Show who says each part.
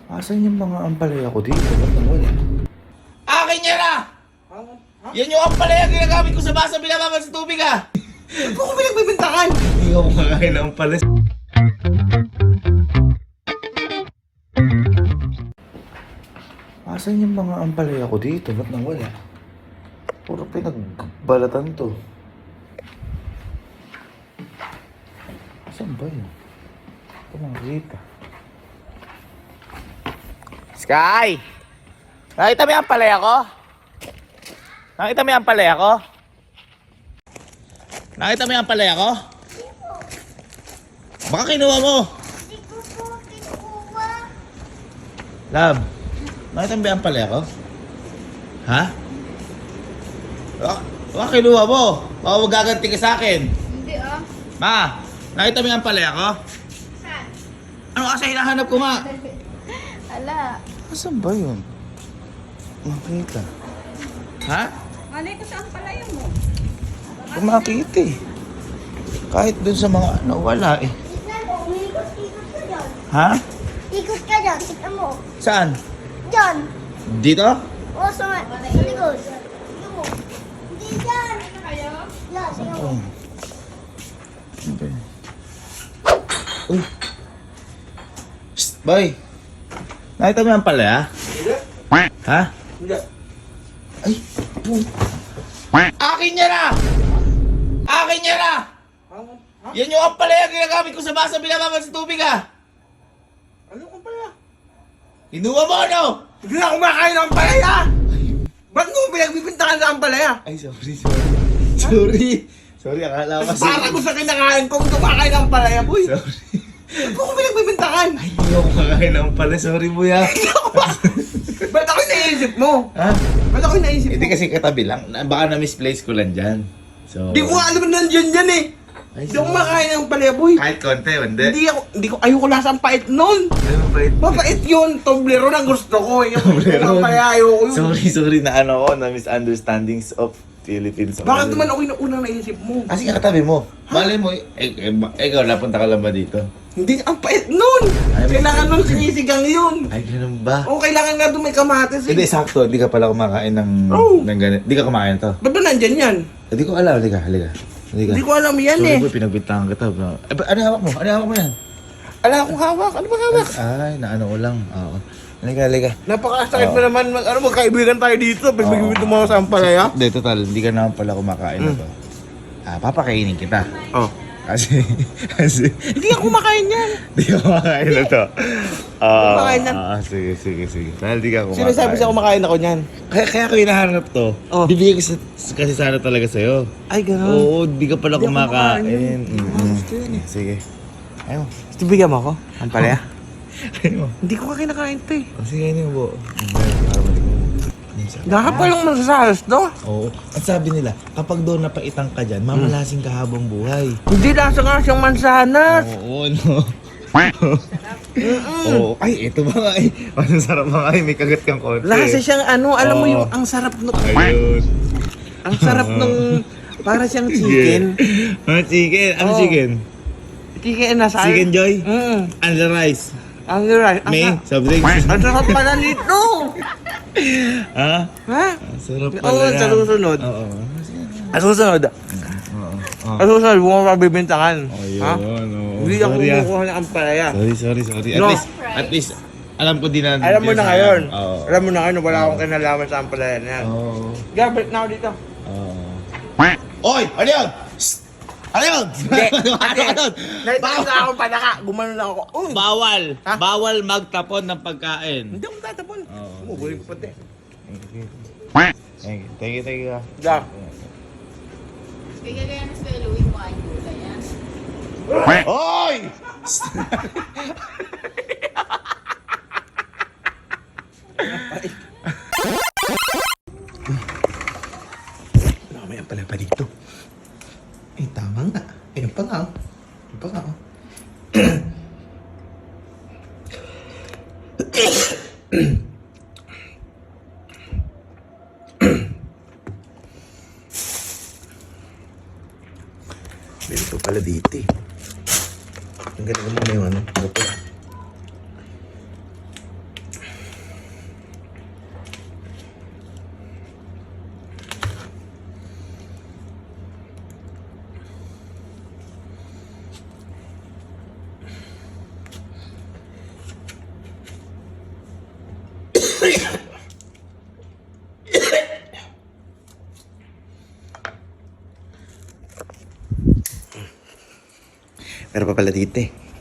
Speaker 1: Asan yung mga ampalaya ko dito? Ba't nawala?
Speaker 2: Akin yan ah! Yan yung ampalaya ginagamit ko sa basa binababad sa tubig ah!
Speaker 3: Ba't ko pinagbibintangan?
Speaker 2: Hindi ako makakain ng ampalaya.
Speaker 1: Asan yung mga ampalaya ko dito? Ba't nawala? Puro pinagbalatan to. Asan ba yun? Ito makikita.
Speaker 2: Sky! Nakita mo yung ampalaya ko? Nakita mo yung ampalaya ko? Nakita mo yung ampalaya ko? Baka kinuha mo!
Speaker 4: Hindi ko po kinukuha.
Speaker 2: Love, nakita mo ba yung ampalaya ko? Ha? Baka kinuha mo! Baka magaganti ka sa akin!
Speaker 4: Hindi ah.
Speaker 2: Ma! Nakita mo yung ampalaya ko?
Speaker 4: Saan?
Speaker 2: Ano kasi hinahanap ko nga?
Speaker 4: Ala.
Speaker 1: Asan ba yun? Makita.
Speaker 2: Ha?
Speaker 4: Malay ko saan pala yun mo?
Speaker 1: Kung makita eh. Kahit dun sa mga nawala eh.
Speaker 4: Tignan mo, ikot-ikot ka dyan.
Speaker 1: Ha?
Speaker 4: Ikot ka dyan, tignan mo.
Speaker 2: Saan?
Speaker 4: Dyan.
Speaker 2: Dito?
Speaker 4: O, sa likod. Tignan mo. Hindi dyan. Kayo? Yeah, tignan mo.
Speaker 1: Ano ba yun?
Speaker 2: Uy! Psst, boy! Nakita mo yung ampalaya?
Speaker 3: Hindi.
Speaker 2: Ha?
Speaker 3: Hindi.
Speaker 2: Ay! Akin yan ah! Akin yan ah! Yan yung ampalaya ginagamit ko sa basa binababad sa tubig ah!
Speaker 3: Ano ka pala?
Speaker 2: Kinuha mo ano?
Speaker 3: Hindi na kumakain ng palaya! Ba't mo pinagbibintangan sa ampalaya?
Speaker 2: Ay, sorry. Sorry, akala ko kasi...
Speaker 3: Para ko sa kinakain kong kumakain ng palaya, boy!
Speaker 2: Sorry.
Speaker 3: Ba't ko pinagbibintangan?
Speaker 2: Ay, hindi ako makakain ng ampalaya. Sorry, buya.
Speaker 3: Ba't ako naisip mo?
Speaker 2: Ha?
Speaker 3: Ba't ako naisip mo?
Speaker 2: Hindi kasi katabi lang. Baka na-misplace ko lang dyan. So...
Speaker 3: Hindi ko alam na nandiyan yan eh!
Speaker 2: Ay,
Speaker 3: Hindi ako kumakain ng palaya, boy!
Speaker 2: Kahit konti, hindi.
Speaker 3: Ayoko lasang pait nun!
Speaker 2: Ano ba ito?
Speaker 3: Mapait yun! Toblero na gusto ko! Yung
Speaker 2: Toblero.
Speaker 3: palaya, ayoko yun!
Speaker 2: Sorry na ano ko, na misunderstandings of Philippines.
Speaker 3: Bakit naman okay na unang naisip mo?
Speaker 2: Kasi katabi mo. Malay mo, ikaw, napunta ka lang ba dito?
Speaker 3: Hindi, ang pait nun!
Speaker 2: Ay,
Speaker 3: Kailangan nun sinisigang yun!
Speaker 2: Ay, ganun ba?
Speaker 3: O, kailangan nga doon may kamatis
Speaker 2: Hindi,
Speaker 3: eh!
Speaker 2: sakto. Hindi ka pala kumakain ng
Speaker 3: Oh.
Speaker 2: ganit. Hindi ka kumain to.
Speaker 3: Ba't ba nandyan yan?
Speaker 2: Hindi ko alam. Halika.
Speaker 3: Hindi ko alam yan
Speaker 2: Sorry
Speaker 3: eh!
Speaker 2: boy, pinagbintangan kita. Bro. Ano hawak mo? Ano hawak mo yan?
Speaker 3: Ala akong hawak! Ano ba hawak?
Speaker 2: Ay, naano ko lang. Oo. Halika.
Speaker 3: Napakasakit
Speaker 2: Oo.
Speaker 3: mo naman, magkaibigan tayo dito. Pagbigyan mo sa ampalaya.
Speaker 2: Hindi, total. Hindi ka naman pala kumakain na to. Papakainin kita.
Speaker 3: Oh.
Speaker 2: Kasi,
Speaker 3: Hindi ako kumakain yan!
Speaker 2: hindi ka kumakain na to.
Speaker 3: Kumakain na.
Speaker 2: Sige. Dahil di ka kumakain.
Speaker 3: Sinasabi sa kumakain ako niyan.
Speaker 2: Kaya ko hinahanap to.
Speaker 3: Oh.
Speaker 2: Bibigay ko kasi sana talaga sa'yo.
Speaker 3: Ay, gano'n.
Speaker 2: Oo, di ka pala
Speaker 3: Hindi ako
Speaker 2: kumakain.
Speaker 3: kumakain. Gusto yun eh.
Speaker 2: Sige. Ayaw.
Speaker 3: Gusto bigyan mo ako? Ampalaya?
Speaker 2: Ayaw.
Speaker 3: Hindi ko kinakain to eh.
Speaker 2: Sige, ano mo. Para matikman mo.
Speaker 3: Nakapalong masasalas to.
Speaker 2: Oo. At sabi nila, kapag doon napaitang ka dyan, mamalasing ka habang buhay.
Speaker 3: Hindi lasa nga siyang mansanas.
Speaker 2: Oo, no. Oo. Ay, ito ba nga eh. Ang sarap ba nga eh. May kagat kang konti.
Speaker 3: Lasa siyang ano, alam mo
Speaker 2: Oo.
Speaker 3: yung ang sarap nung...
Speaker 2: Ayun.
Speaker 3: Ang sarap nung... Para siyang chicken.
Speaker 2: Ano chicken? Ano
Speaker 3: Oo.
Speaker 2: chicken?
Speaker 3: Chicken na sa...
Speaker 2: Chicken Joy?
Speaker 3: Mm.
Speaker 2: And the rice?
Speaker 3: Ang right.
Speaker 2: May? Soft drinks?
Speaker 3: Ang sarap pala nito.
Speaker 2: Ha?
Speaker 3: Ha?
Speaker 2: Ang sarap pala
Speaker 3: Oo,
Speaker 2: yan.
Speaker 3: sa susunod.
Speaker 2: Oo.
Speaker 3: Ang susunod.
Speaker 2: Oo.
Speaker 3: Ang susunod, huwag mo mabibintangan.
Speaker 2: Ayun,
Speaker 3: Ha?
Speaker 2: oo.
Speaker 3: Hindi ako
Speaker 2: Sorry, ah.
Speaker 3: kumukuha ng ampalaya.
Speaker 2: Sorry.
Speaker 3: No.
Speaker 2: At least, alam ko din na...
Speaker 3: Alam mo na ngayon.
Speaker 2: Oo.
Speaker 3: Alam mo na ngayon, wala akong kinalaman sa ampalaya na yan.
Speaker 2: Oo.
Speaker 3: Gabit na ako dito.
Speaker 2: Oo. Oy! Ano yun? Shhh! Ano yun?
Speaker 3: Hindi.
Speaker 2: Ano yun?
Speaker 3: Nakita na akong panaka. Gumanon lang ako. Uy!
Speaker 2: Bawal!
Speaker 3: Ha?
Speaker 2: Bawal magtapon ng pagkain.
Speaker 3: Hindi ako tatapon.
Speaker 2: Oo.
Speaker 3: Umuguling ko pati.
Speaker 2: Thank you.
Speaker 3: Da.
Speaker 4: Kaya kaya na sa Louie mo ang gulay yan.
Speaker 2: Oy!
Speaker 3: May ampalaya pa dito. Eh, tama nga. Ayun pa nga. Ayun pa nga. Dito pala dito eh. Ang galing mo na yung ano. Gato. Meron pa pala dito eh.